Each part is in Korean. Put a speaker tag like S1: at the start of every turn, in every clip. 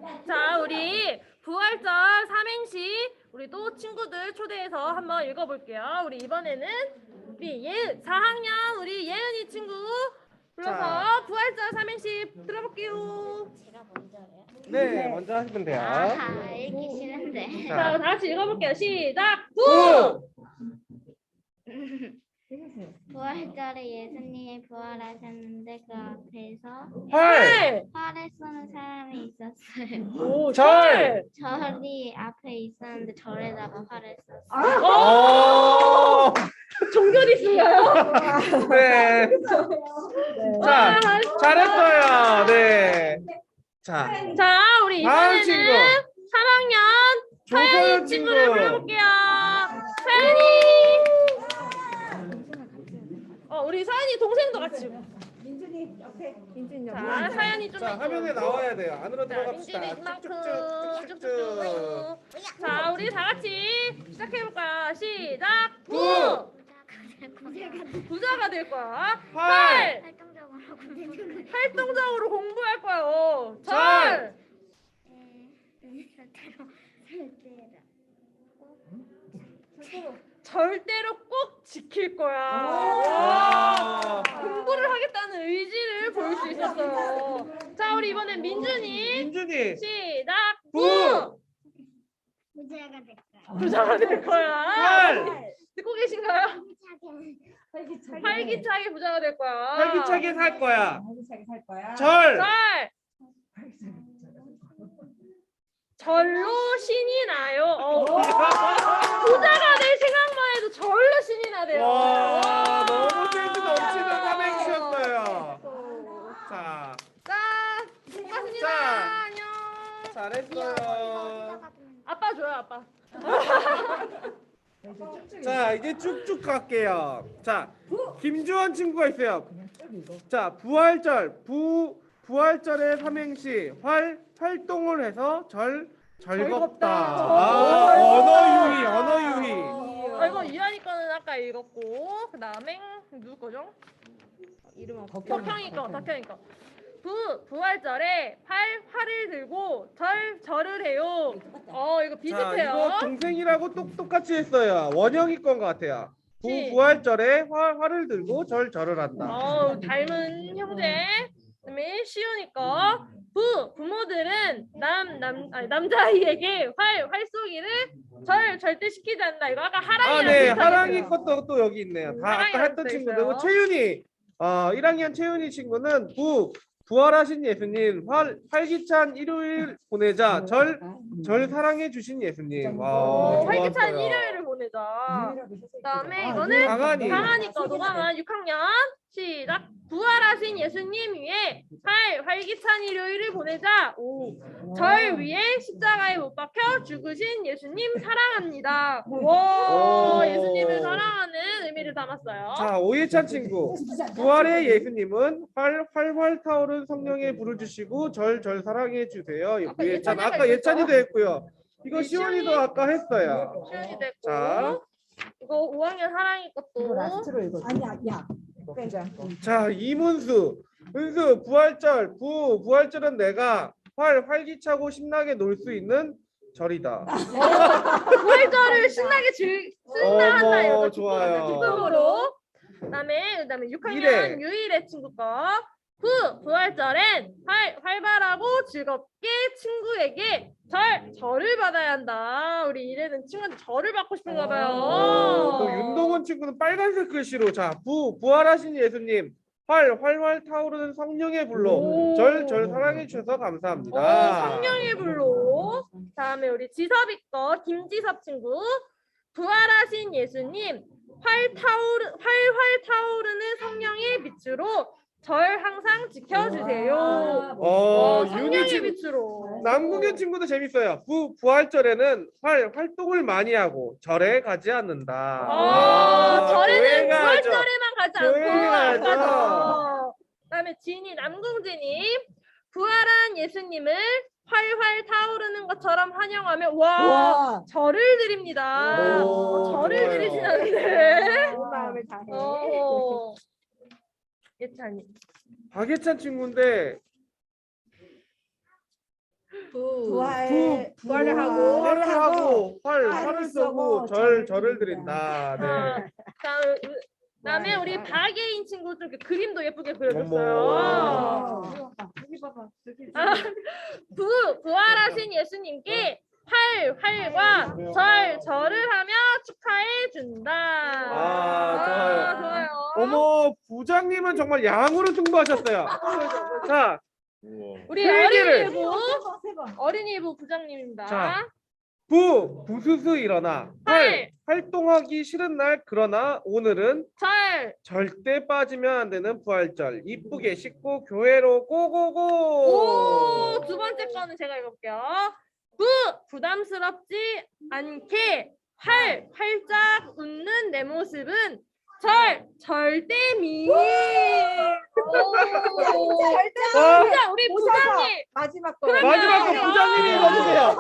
S1: 자, 우리 부활절 삼행시 우리 또 친구들 초대해서 한번 읽어볼게요. 우리 이번에는 우리 4학년 우리 예은이 친구 불러서 부활절 삼행시 들어볼게요.
S2: 제가 먼저 해요?
S3: 네, 먼저 하시면 돼요.
S2: 읽기 싫은데.
S1: 자, 다 같이 읽어볼게요. 시작.
S3: 부!
S2: 부활절에 예수님이 부활하셨는데 그 앞에서
S3: 활!
S2: 활을 쏘는 사람이 있었어요.
S1: 오,
S3: 절!
S2: 절이 앞에 있었는데 절에다가 활을 쐈어요.
S3: 오!
S1: 종교리 쓴가요?
S3: 네. 자, 잘했어요. 네. 자,
S1: 자, 우리
S3: 다음
S1: 이번에는
S3: 친구.
S1: 3학년
S3: 조서연
S1: 서연이
S3: 친구.
S1: 친구를 불러볼게요. 서연이. 우리 서연이 동생도 같이.
S4: 민준이 옆에. 민준이
S1: 자, 서연이 좀.
S3: 자, 화면에 나와야 돼요. 안으로
S1: 자,
S3: 들어갑시다.
S1: 민준이 이만큼
S3: 쭉쭉쭉쭉쭉.
S1: 자, 우리 다 같이 시작해볼까요? 시작.
S3: 부!
S1: 부자가 될 거야.
S3: 활!
S2: 활동적으로 공부.
S1: 활동적으로 공부할 거예요.
S3: 절!
S1: 절대로 꼭 지킬 거야.
S3: 와.
S1: 공부를 하겠다는 의지를 보일 수 있었어요. 자, 우리 이번엔 민준이.
S3: 민준이.
S1: 시작.
S3: 부!
S2: 부자가 됐어요.
S1: 부자가 될 거야.
S3: 활!
S1: 듣고 계신가요? 활기차게 부자가 될 거야.
S3: 활기차게 살 거야.
S4: 활기차게 살 거야.
S3: 절!
S1: 절! 절로 신이 나요. 부자가 될 생각만 해도 절로 신이 나대요.
S3: 와, 너무 센스 넘치는 삼행시였어요. 자,
S1: 자, 고맙습니다.
S3: 자.
S1: 안녕.
S3: 잘했어요.
S1: 아빠 줘요, 아빠.
S3: 자, 이제 쭉쭉 갈게요. 자, 김주원 친구가 있어요. 자, 부활절. 부활절의 삼행시. 활동을 해서 즐겁다. 아, 언어 유희.
S1: 이거 유한이 거는 아까 읽었고, 그 다음에 누구 거죠? 이름은 덕형이 거. 부활절에 활을 들고 절을 해요. 이거
S3: 자,
S1: 비슷해요.
S3: 이거 동생이라고 똑같이 했어요. 원영이 건 것 같아요.
S1: 시.
S3: 부활절에 활을 들고 절을 한다.
S1: 닮은 형제. 그다음에 시온이 거. 부모들은 남자아이에게 활 쏘기를 절대 시키지 않는다. 이거 아까 하랑이랑
S3: 네,
S1: 비슷하게
S3: 하랑이
S1: 했어요.
S3: 것도 또 여기 있네요. 다 아까
S1: 하랑이랑
S3: 했던
S1: 또
S3: 친구들고
S1: 있어요.
S3: 채윤이 1학년 채윤이 친구는 부활하신 예수님 활기찬 일요일 보내자 절 사랑해 주신 예수님. 와,
S1: 활기찬
S3: 좋았어요.
S1: 일요일을 보내자. 그다음에
S4: 아,
S1: 이거는
S3: 강한이
S1: 거 노강한 6학년 시작. 부활하신 예수님 위에 활기찬 일요일을 보내자. 절 위에 십자가에 못 박혀 죽으신 예수님 사랑합니다. 와, 예수님을 사랑하는 의미를 담았어요.
S3: 자, 오예찬 친구. 부활의 예수님은 활활 타오른 성령에 불을 주시고 절 사랑해 주세요.
S1: 아까
S3: 오예찬
S1: 예찬이가
S3: 아까 예찬이도 했고요. 이거
S1: 네,
S3: 시원이도
S1: 시원이.
S3: 아까 했어요.
S1: 시연이 됐고.
S3: 자.
S1: 이거 5학년 사랑이 것도.
S4: 라스트로 읽어. 아니야, 야. 빼자.
S3: 자, 이문수. 은수 부활절은 내가 활기차고 신나게 놀 수 있는 절이다.
S1: 부활절을 신나게 쓴다 한다
S3: 어머,
S1: 이거
S3: 좋아요.
S1: 기쁨으로. 그다음에 6학년
S3: 이래.
S1: 유일의 친구 거. 부활절엔 활발하고 즐겁게 친구에게 절을 받아야 한다. 우리 이래는 친구한테 절을 받고 싶은가 봐요.
S3: 또 윤동원 친구는 빨간색 글씨로 자, 부활하신 예수님 활활 타오르는 성령의 불로
S1: 오.
S3: 절 사랑해 주셔서 감사합니다.
S1: 성령의 불로. 다음에 우리 지섭이 거 김지섭 친구. 부활하신 예수님 활활 타오르는 성령의 빛으로 절 항상 지켜주세요.
S3: 윤희
S1: 성령의
S3: 친구
S1: 빛으로.
S3: 남궁현 친구도 재밌어요. 부활절에는 활동을 많이 하고 절에 가지 않는다.
S1: 절에는
S3: 교회 가야죠.
S1: 부활절에만 가지
S3: 교회
S1: 않고
S3: 가야죠.
S1: 가죠. 그다음에 남궁진님 부활한 예수님을 활활 타오르는 것처럼 환영하며
S4: 와.
S1: 절을 드립니다.
S3: 오,
S1: 절을
S3: 좋아요.
S1: 드리시는데.
S4: 좋은 마음을 다해.
S1: 예찬이.
S3: 박예찬 친구인데
S4: 부활을 하고
S3: 활을 쏘고 절을 드린다. 네.
S1: 자, 그다음에 우리 박예인 친구 좀 이렇게 그림도 예쁘게
S3: 어머.
S1: 그려줬어요.
S4: 여기 봐봐.
S1: 부활하신 예수님께 활과 절을 하며 축하해 준다. 좋아요.
S3: 어머, 부장님은 정말 양으로 승부하셨어요. 자,
S1: 우리
S3: 세 개를.
S1: 어린이부 부장님입니다.
S3: 자, 부수수 일어나. 활동하기 싫은 날 그러나 오늘은 절대 빠지면 안 되는 부활절. 이쁘게 씻고 교회로 고고고.
S1: 두 번째 거는 제가 읽어볼게요. 부담스럽지 않게 활짝 웃는 내 모습은 절대미. 진짜 우리 부장님.
S4: 마지막 거.
S1: 그러면
S3: 마지막 거 부장님이 읽어주세요.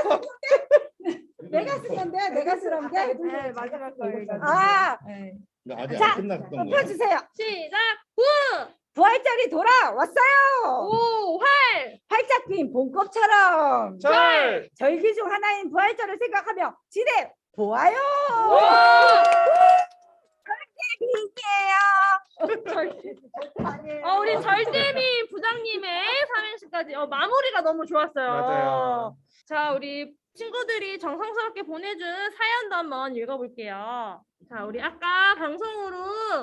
S4: 내가 쓰면 돼. 내가 쓰면 돼. 네, 마지막 거.
S5: 아직
S4: 자,
S5: 안 끝났던 거야.
S4: 펴주세요.
S1: 시작.
S4: 부활절이 돌아왔어요. 활짝 핀 봄꽃처럼 절기 중 하나인 부활절을 생각하며 지대 보아요. 절대미예요.
S1: 우리 절대미 부장님의 삼행시까지 마무리가 너무 좋았어요.
S3: 맞아요.
S1: 자, 우리 친구들이 정성스럽게 보내준 사연도 한번 읽어볼게요. 자, 우리 아까 방송으로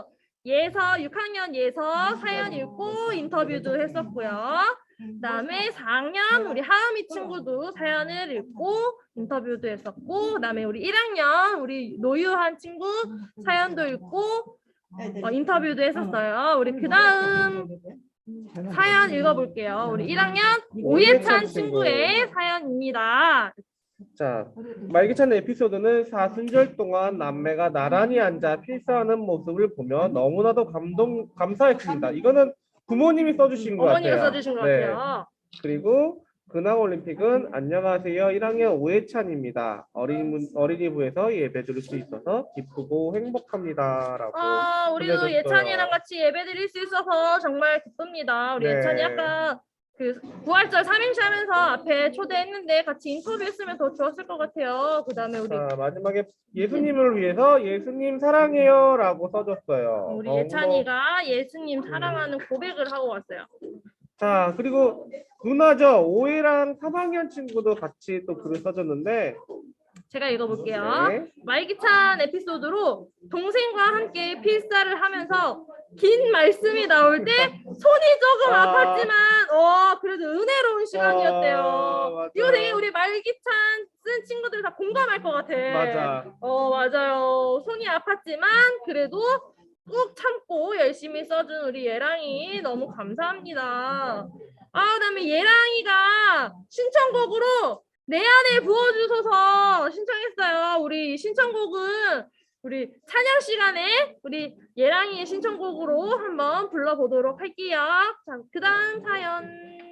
S1: 6학년 예서 사연 읽고 인터뷰도 했었고요. 그다음에 4학년 우리 하은이 친구도 사연을 읽고 인터뷰도 했었고, 그다음에 우리 1학년 우리 노유한 친구 사연도 읽고 인터뷰도 했었어요. 우리 그다음 사연 읽어볼게요. 우리 1학년 오예찬 친구의 사연입니다.
S3: 자, 말기찬 에피소드는 사순절 동안 남매가 나란히 앉아 필사하는 모습을 보며 너무나도 감사했습니다. 이거는 부모님이 써주신 것
S1: 어머니가
S3: 같아요.
S1: 써주신 것
S3: 네.
S1: 같아요.
S3: 그리고 근황올림픽은 안녕하세요 1학년 오해찬입니다. 어린이부에서 예배 드릴 수 있어서 기쁘고 행복합니다. 라고
S1: 우리도
S3: 알려줬어요.
S1: 예찬이랑 같이 예배 드릴 수 있어서 정말 기쁩니다. 우리
S3: 네.
S1: 예찬이 아까 그 부활절 3행시 하면서 앞에 초대했는데 같이 인터뷰했으면 더 좋았을 것 같아요. 그 다음에 우리
S3: 자, 마지막에 예수님을 위해서 예수님 사랑해요 라고 써줬어요.
S1: 우리 예찬이가 예수님 사랑하는 고백을 하고 왔어요.
S3: 자, 그리고 누나죠. 5회랑 3학년 친구도 같이 또 글을 써줬는데
S1: 제가 읽어볼게요.
S3: 네.
S1: 말기찬 에피소드로 동생과 함께 필사를 하면서 긴 말씀이 나올 때 손이 조금 아팠지만 그래도 은혜로운 시간이었대요.
S3: 맞아.
S1: 이거 되게 우리 말기찬 쓴 친구들 다 공감할 것 같아.
S3: 맞아.
S1: 맞아요. 손이 아팠지만 그래도 꾹 참고 열심히 써준 우리 예랑이 너무 감사합니다. 그다음에 예랑이가 신청곡으로 내 안에 부어주소서 신청했어요. 우리 신청곡은 우리 찬양 시간에 우리 예랑이의 신청곡으로 한번 불러보도록 할게요. 자, 그다음 사연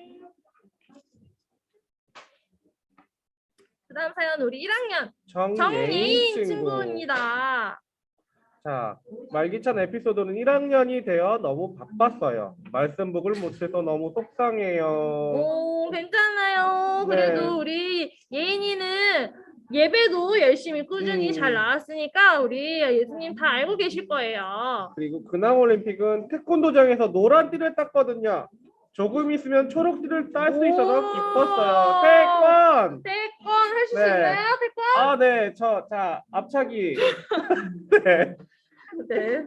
S1: 우리 1학년 정예인 친구입니다.
S3: 자, 말기찬 에피소드는 1학년이 되어 너무 바빴어요. 말씀북을 못해서 너무 속상해요.
S1: 괜찮아요.
S3: 네.
S1: 그래도 우리 예인이는 예배도 열심히 꾸준히 잘 나왔으니까 우리 예수님 다 알고 계실 거예요.
S3: 그리고 근황올림픽은 태권도장에서 노란 띠를 땄거든요. 조금 있으면 초록띠를 딸 수 있어서 기뻤어요. 태권
S1: 할 수
S3: 네.
S1: 있나요? 태권?
S3: 네, 자, 앞차기. 네.
S1: 네.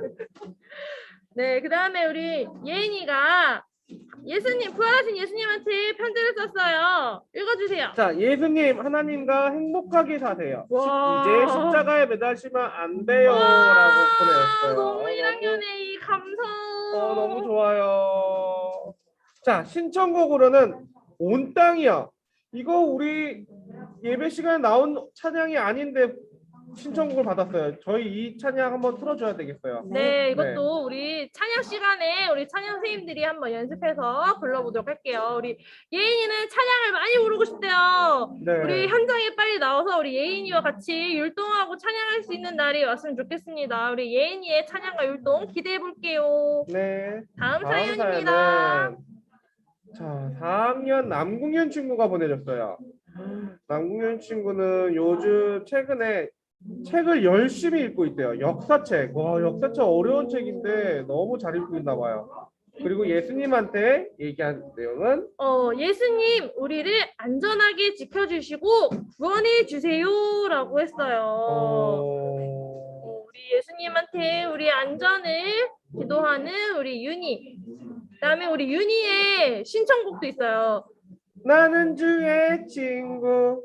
S1: 네, 그 다음에 우리 예인이가 부활하신 예수님한테 편지를 썼어요. 읽어주세요.
S3: 자, 예수님, 하나님과 행복하게 사세요.
S1: 와.
S3: 이제 십자가에 매달리면 안 돼요. 라고 보내셨어요.
S1: 너무 1학년의 이 감성.
S3: 너무 좋아요. 자, 신청곡으로는 온 땅이요. 이거 우리 예배 시간에 나온 찬양이 아닌데 신청곡을 받았어요. 저희 이 찬양 한번 틀어줘야 되겠어요.
S1: 네, 이것도 우리 찬양 시간에 우리 찬양 선생님들이 한번 연습해서 불러보도록 할게요. 우리 예인이는 찬양을 많이 부르고 싶대요.
S3: 네.
S1: 우리 현장에 빨리 나와서 우리 예인이와 같이 율동하고 찬양할 수 있는 날이 왔으면 좋겠습니다. 우리 예인이의 찬양과 율동 기대해 볼게요.
S3: 네.
S1: 다음
S3: 다음
S1: 사연입니다.
S3: 사연은 자, 4학년 남궁현 친구가 보내줬어요. 남궁현 친구는 요즘 최근에 책을 열심히 읽고 있대요. 역사책. 와, 역사책 어려운 책인데 너무 잘 읽고 있나 봐요. 그리고 예수님한테 얘기한 내용은
S1: 예수님, 우리를 안전하게 지켜주시고 구원해 주세요라고 했어요. 우리 예수님한테 우리 안전을 기도하는 우리 윤희. 그다음에 우리 윤희의 신청곡도 있어요.
S3: 나는 주의 친구.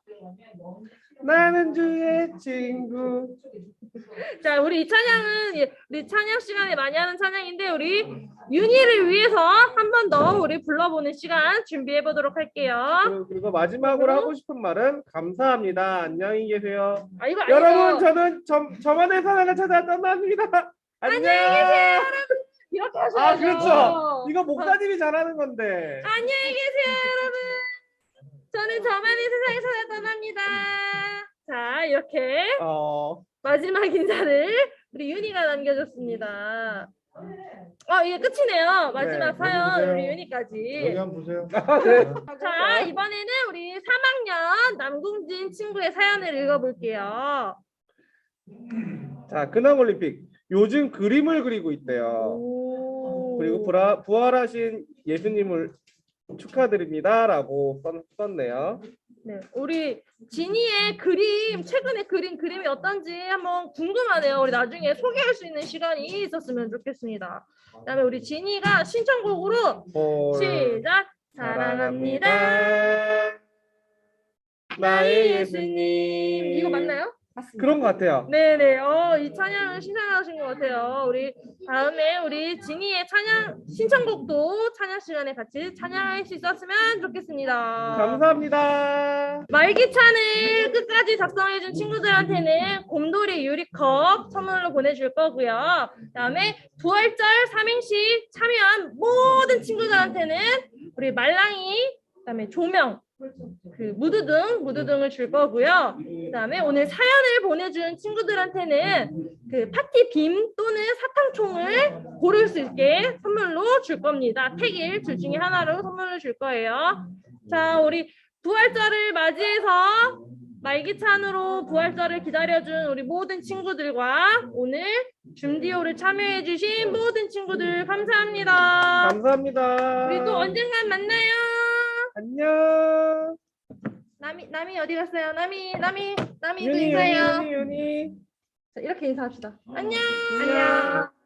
S3: 나는 주의 친구.
S1: 자, 우리 이 찬양은 우리 찬양 시간에 많이 하는 찬양인데 우리 윤희를 위해서 한 번 더 우리 불러보는 시간 준비해 보도록 할게요.
S3: 그리고 마지막으로 하고 싶은 말은 감사합니다. 안녕히 계세요.
S1: 이거
S3: 여러분, 저는 저만의 사랑을 찾아 떠납니다. 안녕히 계세요.
S1: 이렇게 하셔야죠.
S3: 그렇죠. 이거 목사님이 잘하는 건데.
S1: 안녕히 계세요, 여러분. 저는 저만의 세상에 찾아 떠납니다. 자, 이렇게 마지막 인사를 우리 윤희가 남겨줬습니다. 이게 끝이네요. 마지막
S5: 네,
S1: 사연
S5: 여기
S1: 우리
S5: 보세요.
S1: 윤희까지.
S5: 여기 한번 보세요.
S1: 자, 이번에는 우리 3학년 남궁진 친구의 사연을 읽어볼게요.
S3: 자, 근황올림픽. 요즘 그림을 그리고 있대요. 그리고 부활하신 예수님을 축하드립니다라고 썼네요.
S1: 네, 우리 진이의 최근에 그림이 어떤지 한번 궁금하네요. 우리 나중에 소개할 수 있는 시간이 있었으면 좋겠습니다. 그다음에 우리 진이가 신청곡으로 시작. 사랑합니다.
S3: 나의 예수님.
S1: 이거 맞나요?
S3: 그런 것 같아요.
S1: 네네. 이 찬양을 신청하신 것 같아요. 우리 다음에 우리 진이의 신청곡도 찬양 시간에 같이 찬양할 수 있었으면 좋겠습니다.
S3: 감사합니다.
S1: 말기찬을 끝까지 작성해준 친구들한테는 곰돌이 유리컵 선물로 보내줄 거고요. 그다음에 부활절 삼행시 참여한 모든 친구들한테는 우리 말랑이, 그다음에 조명, 무드등을 줄 거고요. 그다음에 오늘 사연을 보내준 친구들한테는 파티 빔 또는 사탕총을 고를 수 있게 선물로 줄 겁니다. 택일 둘 중에 하나로 선물로 줄 거예요. 자, 우리 부활절을 맞이해서 말기찬으로 부활절을 기다려준 우리 모든 친구들과 오늘 줌디오를 참여해주신 모든 친구들 감사합니다.
S3: 감사합니다.
S1: 우리 또 언젠간 만나요.
S3: 안녕.
S1: 남이 어디 갔어요? 남이도 인사해요.
S3: 윤희.
S1: 자, 이렇게 인사합시다. 안녕.
S3: 안녕.